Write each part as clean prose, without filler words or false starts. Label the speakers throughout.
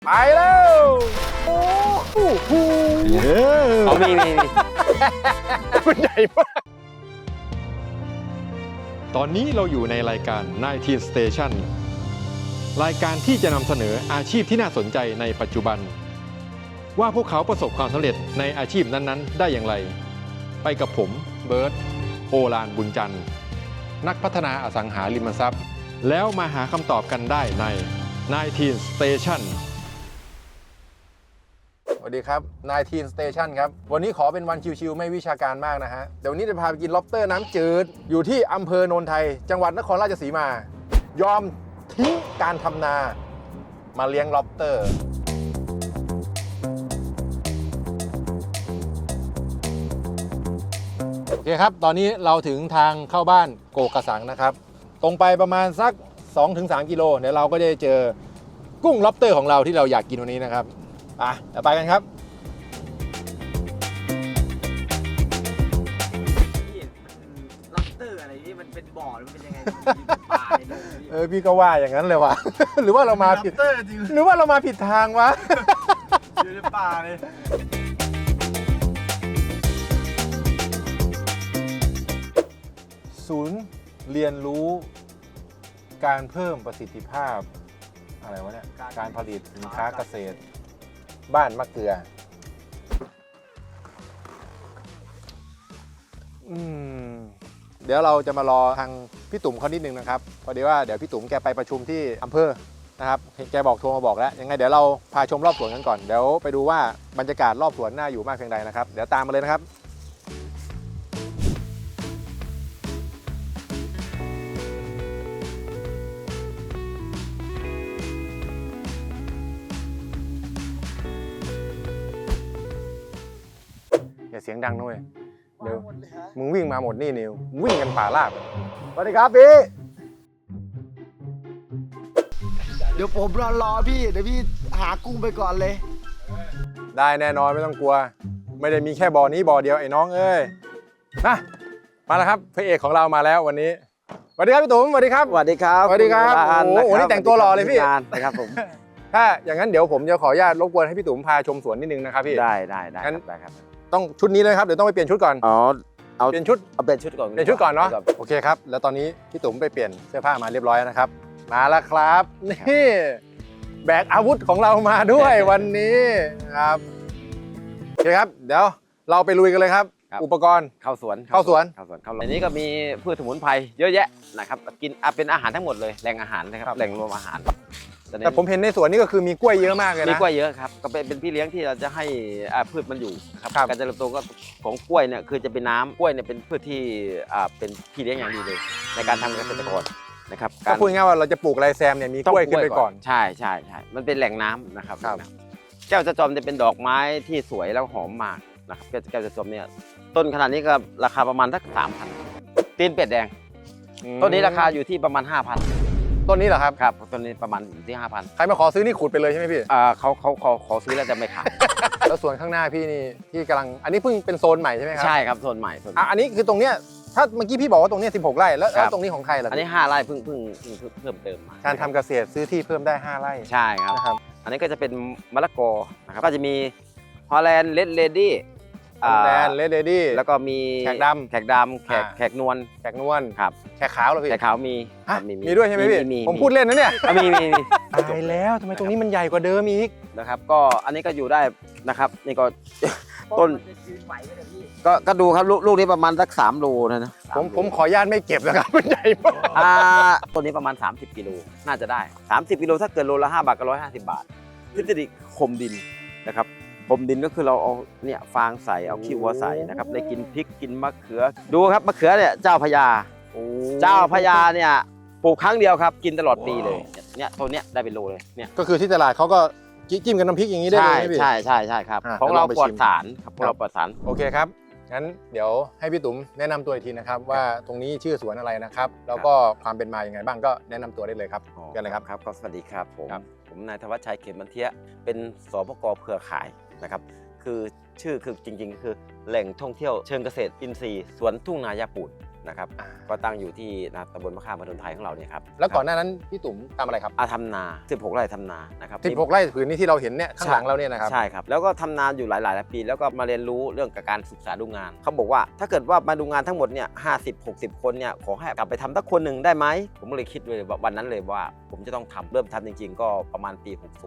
Speaker 1: ไปแล้วโอ้โห
Speaker 2: เอามี
Speaker 1: มันใหญ่มากตอนนี้เราอยู่ในรายการ19 Station รายการที่จะนำเสนออาชีพที่น่าสนใจในปัจจุบันว่าพวกเขาประสบความสำเร็จในอาชีพนั้นๆได้อย่างไรไปกับผมเบิร์ตโอฬารบุญจันทร์นักพัฒนาอสังหาริมทรัพย์แล้วมาหาคำตอบกันได้ใน19 Station สวัสดีครับ19 Station ครับวันนี้ขอเป็นวันชิวๆไม่วิชาการมากนะฮะเดี๋ยววันนี้จะพาไปกินล็อบสเตอร์น้ำจืดอยู่ที่อำเภอโนนไทยจังหวัดนครราชสีมายอมทิ้งการทำนามาเลี้ยงล็อบสเตอร์โอเคครับตอนนี้เราถึงทางเข้าบ้านโกกระสังนะครับตรงไปประมาณสัก 2-3 กิโลเดี๋ยวเราก็จะเจอกุ้งล็อบสเตอร์ของเราที่เราอยากกินวันนี้นะครับเดี๋ยวไปกันครับ
Speaker 2: ล็อบสเตอร์อะไรนี่มันเป็นบ่อหรือมันเป็นยังไงป่าเลย
Speaker 1: พี่ก็ว่าอย่างนั้นเลยว่ะ หรือว่าเรามาผิดหรือว่าเรามาผิดทางวะ
Speaker 2: อยู่ในป่าเลย
Speaker 1: ศูนย์เรียนรู้การเพิ่มประสิทธิภาพอะไรวะเนี่ยการผลิตสินค้าเกษตรบ้านมะเกลือเดี๋ยวเราจะมารอทางพี่ตุ่มเขานิดนึงนะครับพอดีว่าเดี๋ยวพี่ตุ่มแกไปประชุมที่อำเภอนะครับแกบอกโทรมาบอกแล้วยังไงเดี๋ยวเราพาชมรอบสวนกันก่อนเดี๋ยวไปดูว่าบรรยากาศรอบสวนน่าอยู่มากเพียงใดนะครับเดี๋ยวตามมาเลยนะครับอย่าเสียงดังด้วยเดี๋ยวมึงวิ่งมาหมดนี่นิววิ่งกันป่าราบสวัสดีครับพี่
Speaker 3: เดี๋ยวผมรอพี่เดี๋ยวพี่หากุ้งไปก่อนเลย
Speaker 1: ได้แน่นอนไม่ต้องกลัวไม่ได้มีแค่บ่อนี้บ่อเดียวไอ้น้องเอ้ยมาแล้วครับพระเอกของเรามาแล้ววันนี้สวัสดีครับพี่ตุ๋มสวัสดีครับ
Speaker 3: สวัสดีครับ
Speaker 1: สวัสดีครับโอ้โหนี่แต่งตัวหล่อเลยพี่
Speaker 3: นะครับผม
Speaker 1: ถ้าอย่างนั้นเดี๋ยวผมจะขออนุญาตรบกวนให้พี่ตุ๋มพาชมสวนนิดนึงนะครับพี่
Speaker 3: ได้ครับ
Speaker 1: ต้องชุดนี้เลยครับเดี๋ยวต้องไปเปลี่ยนชุดก่อน
Speaker 3: เอา
Speaker 1: เปลี่ยนชุด
Speaker 3: เปลี่ยนชุดก่อน
Speaker 1: เนาะโอเคครับแล้วตอนนี้พี่ตุ๋มไปเปลี่ยนเสื้อผ้ามาเรียบร้อยนะครับมาแล้วครับนี่แบกอาวุธของเรามาด้วยวันนี้ครับโอเคครับเดี๋ยวเราไปลุยกันเลยครับอุปกรณ์
Speaker 3: เข้าสวนในนี้ก็มีพืชสมุนไพรเยอะแยะนะครับกินเป็นอาหารทั้งหมดเลยแหล่งอาหารนะครับแหล่งรวมอาหาร
Speaker 1: แต่ผมเห็นในสวนนี่ก็คือมีกล้วยเยอะมากเลยนะ
Speaker 3: มีกล้วยเยอะครับก็เป็นพี่เลี้ยงที่เราจะให้พืชมันอยู่ครับการเจริญเติบโตของกล้วยเนี่ยคือจะเป็นน้ำกล้วยเนี่ยเป็นพืชที่เป็นพี่เลี้ยงอย่างดีเลยในการทำเกษตรกรนะครับ
Speaker 1: ก็พูดง่ายว่าเราจะปลูกไรแซมเนี่ยมีกล้วยขึ้นไปก่อน
Speaker 3: ใช่มันเป็นแหล่งน้ำนะครับแก้วจะจอมจะเป็นดอกไม้ที่สวยแล้วหอมมากนะครับแก้วจะจอมเนี่ยต้นขนาดนี้ก็ราคาประมาณสัก 3,000 ตีนเป็ดแดงต้นนี้ราคาอยู่ที่ประมาณ 5,000
Speaker 1: ต้นนี้เหรอครับ
Speaker 3: ครับต้นนี้ประมาณอยู่ที่ 5,000
Speaker 1: ใครมาขอซื้อนี่ขุดไปเลยใช่ไหมพี่
Speaker 3: เขาขอซื้อแล้วจะไม่ขาย
Speaker 1: แล้วส่วนข้างหน้าพี่นี่ที่กำลังอันนี้เพิ่งเป็นโซนใหม่ใช่ไหมครับ
Speaker 3: ใช่ครับโซนใหม่
Speaker 1: อันนี้คือตรงเนี้ยถ้าเมื่อกี้พี่บอกว่าตรงนี้16 ไร่แล้วตรงนี้ของใครล่ะ
Speaker 3: อันนี้5 ไร่เพิ่งเพิ่มเติมมา
Speaker 1: การทำเกษตรซื้อที่เพิ่มได้5 ไร่
Speaker 3: ใช่ครับอันนี้ก็จะเป็นมะละกอนะครับก็จะมีฮอลแลนด์เลดเลดี้แล้วก็มี
Speaker 1: แขกดำ
Speaker 3: แขกนวล
Speaker 1: ครับแขกขาวเหรอพี่
Speaker 3: แขกขาวมี
Speaker 1: ด้วยใช่ไหมพี่ผมพูดเล่นนะเนี่ย
Speaker 3: มี
Speaker 1: ตายแล้วทำไมตรงนี้มันใหญ่กว่าเดิมอีก
Speaker 3: นะครับก็อันนี้ก็อยู่ได้นะครับนี่ก็ต้นก็ดูครับลูกนี้ประมาณสัก3 โลนะ
Speaker 1: ผมขออนุญาตไม่เก็บนะครับมันใหญ่มาก
Speaker 3: ต้นนี้ประมาณ30 กิโลน่าจะได้30 กิโลถ้าเกิดโลละ5 บาทก็150 บาททฤษฎีคมดินนะครับคมดินก็คือเราเอาเนี่ยฟางใส่เอาขี้วัวใส่นะครับได้กินพริกกินมะเขือดูครับมะเขือเนี่ยเจ้าพญาเนี่ยปลูกครั้งเดียวครับกินตลอดปีเลยเนี่ยตัวเนี้ยได้เป็นโลเลยเนี่ย
Speaker 1: ก็คือที่ตลาดเขาก็จิ้มกับน้ำพริกอย่างนี้ได้เลย
Speaker 3: ใช่ครับของเราปลอดสารครับของเราปลอดสาร
Speaker 1: โอเคครับงั้นเดี๋ยวให้พี่ตุ๋มแนะนำตัวอีกทีนะครับว่าตรงนี้ชื่อสวนอะไรนะครับแล้วก็ความเป็นมาอย่างไงบ้างก็แนะนำตัวได้เลยครับกันเลยครับ
Speaker 3: ก็สวัสดีครับผมนายธวัชชัยเขมมันเทียเป็นสปก.เครือข่ายนะครับคือชื่อคือจริงๆคือแหล่งท่องเที่ยวเชิงเกษตรอินทรีย์สวนทุ่งนายาปูนนะครับก็ตั้งอยู่ที่ตำบลมะขามพนมไทยของเราเนี่ยครับ
Speaker 4: แล้วก่อนหน้านั้นพี่ตุ๋มทำอะไรครับ
Speaker 3: ทำนา16 ไร่ทำนานะครับ
Speaker 4: 16 ไร่ผืนนี้ที่เราเห็นเนี่ยข้างหลังเราเนี่ยนะครับ
Speaker 3: ใช่ครับแล้วก็ทำนานอยู่หลายปีแล้วก็มาเรียนรู้เรื่องการศึกษาดูงานเขาบอกว่าถ้าเกิดว่ามาดูงานทั้งหมดเนี่ย50-60 คนเนี่ยขอให้กลับไปทำสักคนหนึ่งได้ไหมผมก็เลยคิดเลยวันนั้นเลยว่าผมจะต้องทำเริ่มทำจริงๆก็ประมาณปี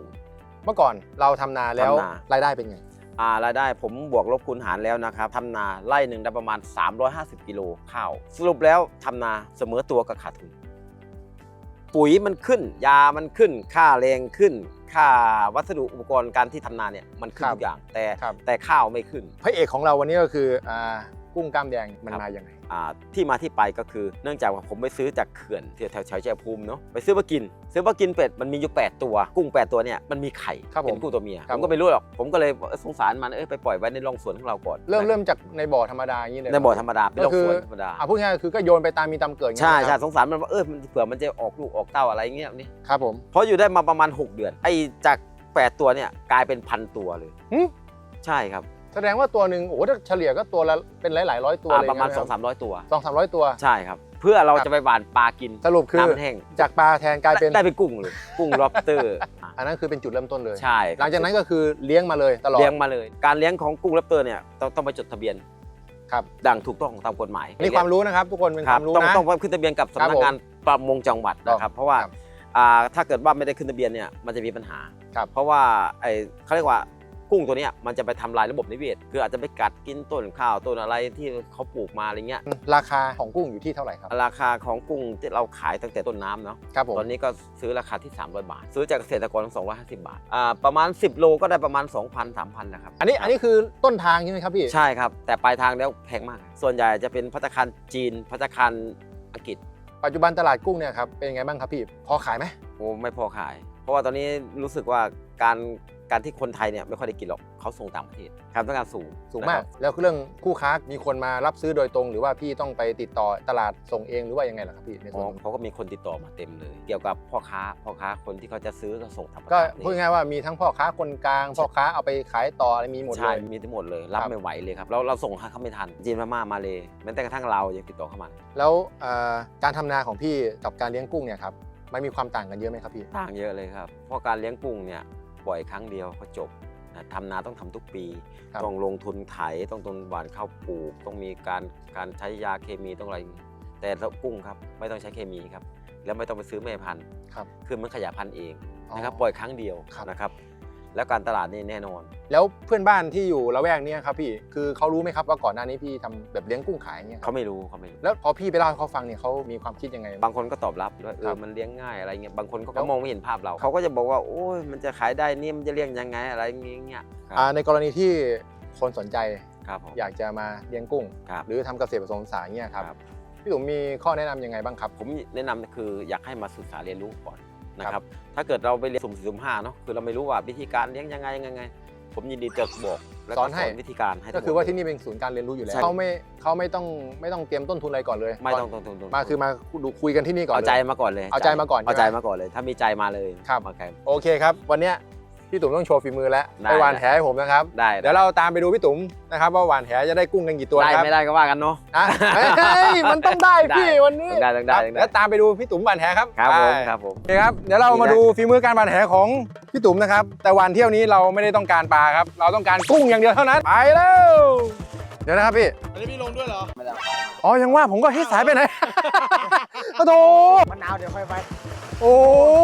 Speaker 3: 60
Speaker 4: เมื่อก่อนเราทำนาแล้ว
Speaker 3: ทำนา
Speaker 4: รายได้เป็นไง
Speaker 3: รายได้ผมบวกลบคูณหารแล้วนะครับทำนาไร่หนึ่งได้ประมาณ350 กิโลข้าวสรุปแล้วทำนาเสมอตัวกับขาดทุนปุ๋ยมันขึ้นยามันขึ้นค่าแรงขึ้นค่าวัสดุอุปกรณ์การที่ทำนาเนี่ยมันขึ้นทุกอย่างแต่ข้าวไม่ขึ้น
Speaker 4: พระเอกของเราวันนี้ก็คือกุ้งกล้ามแดงมันมาอย่างไร
Speaker 3: ที่มาที่ไปก็คือเนื่องจากว่าผมไปซื้อจากเขื่อนแถวชัยภูมิเนาะไปซื้อมากินเป็ดมันมีอยู่8ตัวกุ้ง8ตัวเนี่ยมันมีไข่เป็นกุ้งตัวเมียผมก็ไม่รู้หรอกผมก็เลยสงสารมันไปปล่อยไว้ในร่องสวนของเราก่อน
Speaker 4: เริ่มจากในบ่อธรรมดาอย่างนี้เลย
Speaker 3: ในบ่อธรรมดาเป็นร่องสวนธรรมดา
Speaker 4: พูดง่ายๆคือก็โยนไปตามมีตามเกิด
Speaker 3: ใช่สงสารมันว่ามันเผื่อมันจะออกลูกออกเต้าอะไรเงี้ยนี่
Speaker 4: ครับผม
Speaker 3: เพราะอยู่ได้มาประมาณ6 เดือนจาก8ตัวเนี่ยกลายเป็น1,000 ตัวเลยใช่ครับ
Speaker 4: แสดงว่าตัวหนึ่งโอ้โหเฉลี่ยก็ตัวละเป็นหลายร้อยตัวเลย
Speaker 3: ประมาณ 200-300 ตัว
Speaker 4: 200-300 ตัว
Speaker 3: ใช่ครับเพื่อเราจะไปหว่านปลากิน
Speaker 4: สรุปคือจากปลาแทนกลายเป็น
Speaker 3: ได้เป็นกุ้งเลยกุ้งล็อบสเตอร์
Speaker 4: อันนั้นคือเป็นจุดเริ่มต้นเลย
Speaker 3: ใช่
Speaker 4: หลังจากนั้นก็คือเลี้ยงมาเลยตลอด
Speaker 3: เลี้ยงมาเลยการเลี้ยงของกุ้งล็อบสเตอร์เนี่ยต้องไปจดทะเบียน
Speaker 4: ครับ
Speaker 3: ดังถูกต้องตามกฎหมาย
Speaker 4: นี่ความรู้นะครับทุกคนเป็นความรู้นะ
Speaker 3: ต้องขึ้นทะเบียนกับสำนักงานประมงจังหวัดนะครับเพราะว่าถ้าเกิดว่าไม่ได้ขึ้นทะเบียนเนี่ยมันจะมีปัญหาเพราะว่าเขาเรียกว่ากุ้งตัวนี้มันจะไปทำลายระบบนิเวศคืออาจจะไปกัดกินต้นข้าวต้นอะไรที่เขาปลูกมาอะไรเงี้ย
Speaker 4: ราคาของกุ้งอยู่ที่เท่าไหร่ครับ
Speaker 3: ราคาของกุ้งที่เราขายตั้งแต่ต้นน้ำเนาะตอนนี้ก็ซื้อราคาที่300 บาทซื้อจากเกษตรกร250 บาทประมาณ10 โลก็ได้ประมาณ 2,000-3,000นะครับ
Speaker 4: อันนี้คือต้นทางใช่ไหมครับพี่
Speaker 3: ใช่ครับแต่ปลายทางแล้วแพงมากส่วนใหญ่จะเป็นภัตตาคารจีนภัตตาคารอังกฤษ
Speaker 4: ปัจจุบันตลาดกุ้งเนี่ยครับเป็นยังไงบ้างครับพี่พอขายไหม
Speaker 3: โอ้ไม่พอขายเพราะว่าตอนนี้รู้สึกว่าการที่คนไทยเนี่ยไม่ค่อยได้กินหรอกเขาส่งต่างประเทศครับต้องการสูง
Speaker 4: มากแล้วเรื่องคู่ค้ามีคนมารับซื้อโดยตรงหรือว่าพี่ต้องไปติดต่อตลาดส่งเองหรือว่ายังไงล่ะครับพี่ในส่วน
Speaker 3: เขาก็มีคนติดต่อมาเต็มเลยเกี่ยวกับพ่อค้าคนที่เขาจะซื้อก็ส่งทำ
Speaker 4: ก็พูดง่ายว่ามีทั้งพ่อค้าคนกลางพ่อค้าเอาไปขายต่ออะไรมีหมดเลย
Speaker 3: ใช่มีทั้งหมดเลยรับไม่ไหวเลยครับเราส่งเขาไม่ทันจีนพม่ามาเลยแม้แต่กระทั่งเรายังติดต่อเข้ามา
Speaker 4: แล้วการทำนาของพี่กับการเลี้ยงกุ้งเนี่ยครับมันมีความต่างกันเยอะไหมครับพี่
Speaker 3: ต่างเยอะเลยครับเพราะการเลี้ยงกุ้งเนี่ยปล่อยครั้งเดียวก็จบทำนาต้องทำทุกปีต้องลงทุนไถต้องหว่านข้าวปลูกต้องมีการใช้ยาเคมีต้องอะไรแต่กุ้งครับไม่ต้องใช้เคมีครับแล้วไม่ต้องไปซื้อแม่พันธุ์คือมันขยายพันธุ์เองนะครับปล่อยครั้งเดียวนะครับแล้วการตลาดนี่แน่นอน
Speaker 4: แล้วเพื่อนบ้านที่อยู่ละแวกนี้ครับพี่คือเขารู้ไหมครับว่าก่อนหน้านี้พี่ทำแบบเลี้ยงกุ้งขายเนี่ย
Speaker 3: เขาไม่รู้
Speaker 4: แล้วพอพี่ไปเล่าให้เขาฟังเนี่ยเขามีความคิดยังไง
Speaker 3: บางคนก็ตอบรับด้วยมันเลี้ยงง่ายอะไรเงี้ยบางคนก็มองไม่เห็นภาพเราเขาก็จะบอกว่าโอ้ยมันจะขายได้นี่มันจะเลี้ยงยังไงอะไรเงี้ย
Speaker 4: ในกรณีที่คนสนใจ
Speaker 3: ครับ
Speaker 4: อยากจะมาเลี้ยงกุ้งหรือทำเกษตรผสมผสานเนี่ยครับพี่ตุ๋มมีข้อแนะนำยังไงบ้างครับ
Speaker 3: ผมแนะนำคืออยากให้มาศึกษาเรียนรู้ก่อนนะครับถ้าเกิดเราไปเรียนสุ่ม4สุ่ม5เนาะคือเราไม่รู้ว่าวิธีการเลี้ยงยังไงผมยินดีจะบอก
Speaker 4: สอนให้
Speaker 3: วิธีการให้
Speaker 4: ก็คือว่าที่นี่เป็นศูนย์การเรียนรู้อยู่แล้วเขาไม่ต้องเตรียมต้นทุนอะไรก่อนเลย
Speaker 3: ไม่ต้องต้นทุน
Speaker 4: มาคือมาดูคุยกันที่นี่ก่อน
Speaker 3: เอาใจมาก่อนเลย
Speaker 4: เอาใจมาก่อน
Speaker 3: เลยถ้ามีใจมาเลย
Speaker 4: ครับโอเคครับวันนี้พี่ตุ๋มต้องโชว์ฝีมือแล้วไปหว่านแหให้ผมนะครับเดี๋ยวเราตามไปดูพี่ตุ๋มนะครับว่าหว่านแหจะได้กุ้งกันกี่ตัว
Speaker 3: ครับได้ไม่ได้ก็ว่ากันเนาะ
Speaker 4: มันต้องได้พี่วันนี้
Speaker 3: ได้
Speaker 4: แล้วตามไปดูพี่ตุ๋มหว่านแหครับ
Speaker 3: ครับผม
Speaker 4: โอเคครับเดี๋ยวเรามาดูฝีมือการหว่านแหของพี่ตุ๋มนะครับแต่หว่านเที่ยวนี้เราไม่ได้ต้องการปลาครับเราต้องการกุ้งอย่างเดียวเท่านั้นไปแล้วเดี๋ยวนะครับพี่
Speaker 2: อันนี้พี่ลงด้วยเหรอไม่ได้
Speaker 4: อ๋อยังว่าผมก็เฮ้ยสายไปไหนโอ้โห
Speaker 2: มะนาวเดี๋ยวค่อยไป
Speaker 4: โอ้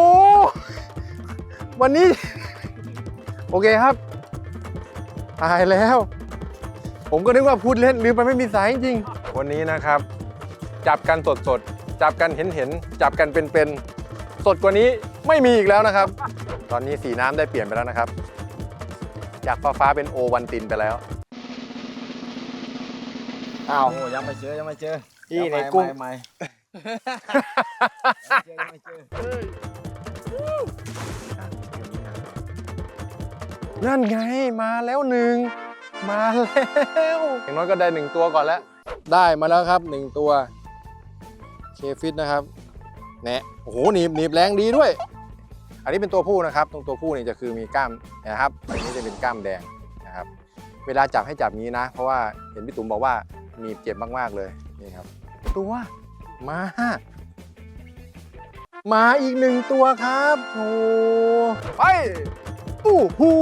Speaker 4: วันนี้โอเคครับตายแล้วผมก็นึกว่าพูดเล่นลืมไปไม่มีสายจริงวันนี้นะครับจับกันสดจับกันเห็นจับกันเป็นสดกว่านี้ไม่มีอีกแล้วนะครับตอนนี้สีน้ำได้เปลี่ยนไปแล้วนะครับจากฟ้าเป็นโอวันตินไปแล้ว
Speaker 2: อ้าวยังไม่เจอ
Speaker 4: ที่ในกุ้ง
Speaker 2: ไม่
Speaker 4: นั่นไงมาแล้วหนึ่งมาแล้วอย่างน้อยก็ได้1ตัวก่อนแล้วได้มาแล้วครับ1ตัวเคฟิตนะครับแหนะโอ้โหหนีบแรงดีด้วยอันนี้เป็นตัวผู้นะครับตรงตัวผู้นี่จะคือมีกล้ามนะครับอันนี้จะเป็นกล้ามแดงนะครับเวลาจับให้จับงี้นะเพราะว่าเห็นพี่ตุ๋มบอกว่าหนีบเจ็บมากๆเลยนี่ครับตัวมาอีก1ตัวครับโอ้ไปอู้หู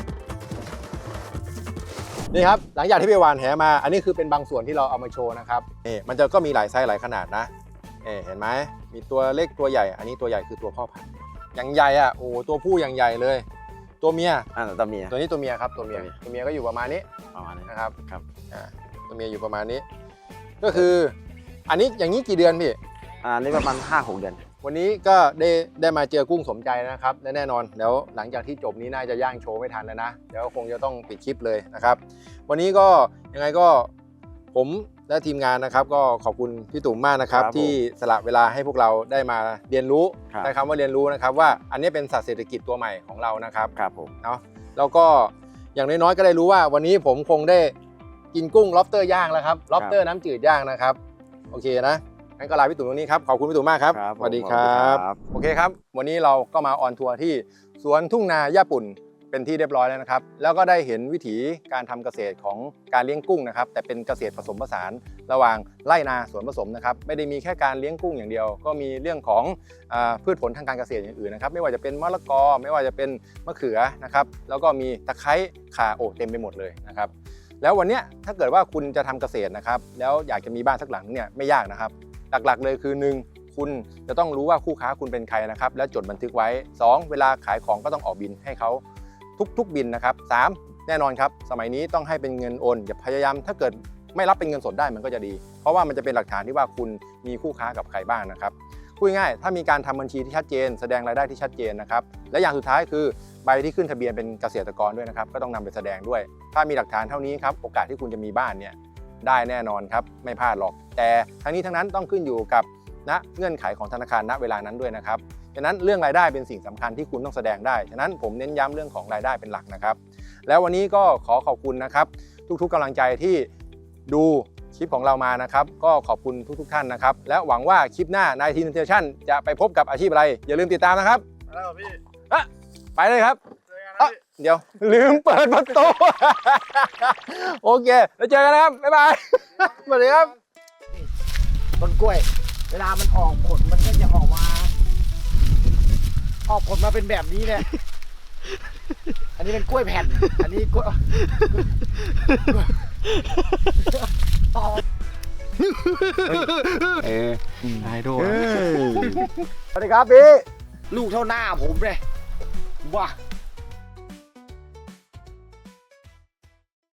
Speaker 4: นี่ครับหลังจากที่ไปหวานแหมา อันนี้คือเป็นบางส่วนที่เราเอามาโชว์นะครับนี่มันจะก็มีหลายไซส์หลายขนาดนะเห็นไหมมีตัวเล็กตัวใหญ่อันนี้ตัวใหญ่คือตัวพ่อพันธุ์อย่างใหญ่อ่ะโอ้ตัวผู้อย่างใหญ่เลย ตัวเมีย
Speaker 3: ตัวเมีย
Speaker 4: ตัวนี้ตัวเมียครับตัวเมียก็อยู่ประมาณนี้
Speaker 3: ประมาณนี้
Speaker 4: นะครับ
Speaker 3: ครับ
Speaker 4: ตัวเมียอยู่ประมาณนี้ ก็คืออันนี้อย่างนี้กี่เดือนพี่
Speaker 3: อันนี้ประมาณ 5-6 เดือน
Speaker 4: วันนี้ก็ได้มาเจอกุ้งสมใจนะครับและแน่นอนเดี๋ยวหลังจากที่จบนี้น่าจะย่างโชว์ไม่ทันแล้วนะเดี๋ยวคงจะต้องปิดคลิปเลยนะครับ วันนี้ก็ยังไงก็ผมและทีมงานนะครับ ก็ขอบคุณพี่ตุ่มมากนะครับ
Speaker 3: ครับผม
Speaker 4: ที่สละเวลาให้พวกเราได้มาเรียนรู้
Speaker 3: ครับ
Speaker 4: ใช้คำว่าเรียนรู้นะครับว่าอันนี้เป็นสัตว์เศรษฐกิจตัวใหม่ของเรานะครับ
Speaker 3: ครับผม
Speaker 4: เนาะแล้วก็อย่างน้อยๆก็ได้รู้ว่าวันนี้ผมคงได้กินกุ้งล็อบสเตอร์ย่างแล้วครับล็อบสเตอร์น้ำจืดย่างนะครับโอเคนะงั้นก็ลาพี่ตุ่มตรงนี้ครับขอบคุณพี่ตุ่มมากครับ
Speaker 3: ครับ
Speaker 4: สวัสดีครับ โอเคครับ วันนี้เราก็มาออนทัวร์ที่สวนทุ่งนาย่าปุ่นเป็นที่เรียบร้อยแล้วนะครับ แล้วก็ได้เห็นวิถีการทำเกษตรของการเลี้ยงกุ้งนะครับ แต่เป็นเกษตรผสมผสานระหว่างไร่นาสวนผสมนะครับ ไม่ได้มีแค่การเลี้ยงกุ้งอย่างเดียว ก็มีเรื่องของพืชผลทางการเกษตรอย่างอื่นนะครับ ไม่ว่าจะเป็นมะละกอ ไม่ว่าจะเป็นมะเขือนะครับ แล้วก็มีตะไคร้ข่าเต็มไปหมดเลยนะครับ แล้ววันเนี้ยถ้าเกิดว่าคุณจะทำเกษตรนะครับ แล้วอยากจะมีบ้านสักหลังเนี่ยไม่ยากนะครับ หลักๆเลยคือ 1. คุณจะต้องรู้ว่าคู่ค้าคุณเป็นใครนะครับและจดบันทึกไว้ 2. เวลาขายของก็ต้องออกบินให้เขาทุกบินนะครับ 3. แน่นอนครับสมัยนี้ต้องให้เป็นเงินโอนอย่าพยายามถ้าเกิดไม่รับเป็นเงินสดได้มันก็จะดี เพราะว่ามันจะเป็นหลักฐานที่ว่าคุณมีคู่ค้ากับใครบ้างนะครับพูดง่ายๆถ้ามีการทำบัญชีที่ชัดเจนแสดงรายได้ที่ชัดเจนนะครับและอย่างสุดท้ายคือใบที่ขึ้นทะเบียนเป็นเกษตรกรด้วยนะครับก็ต้องนำไปแสดงด้วย ถ้ามีหลักฐานเท่านี้ครับโอกาสที่คุณจะมีบ้านเนี่ยได้แน่นอนครับไม่พลาดหรอกแต่ทั้งนี้ทั้งนั้นต้องขึ้นอยู่กับเงื่อนไขของธนาคารณเวลานั้นด้วยนะครับฉะนั้นเรื่องรายได้เป็นสิ่งสำคัญที่คุณต้องแสดงได้ฉะนั้นผมเน้นย้ำเรื่องของรายได้เป็นหลักนะครับแล้ววันนี้ก็ขอขอบคุณนะครับทุกๆกำลังใจที่ดูคลิปของเรามานะครับก็ขอบคุณทุกท่านนะครับและหวังว่าคลิปหน้านายทีนเทชั่นจะไปพบกับอาชีพอะไรอย่าลืมติดตามนะครับ
Speaker 2: แล้วพี่
Speaker 4: ไปเลยครับ
Speaker 2: เจอกันนะพี่
Speaker 4: เดี๋ยวลืมเปิดประตู โอเคแล้วเจอกันนะครับ บ๊ายบาย สวัสดีครับ
Speaker 2: ต้นกล้วย เวลามันออกผลมันก็จะออกมาเป็นแบบนี้เนี่ยอันนี้เป็นกล้วยแผ่น อันนี้กล้วย
Speaker 4: ไอดอล
Speaker 2: สวัสดีครับพี่ลูกเท่าหน้าผมเลยว้า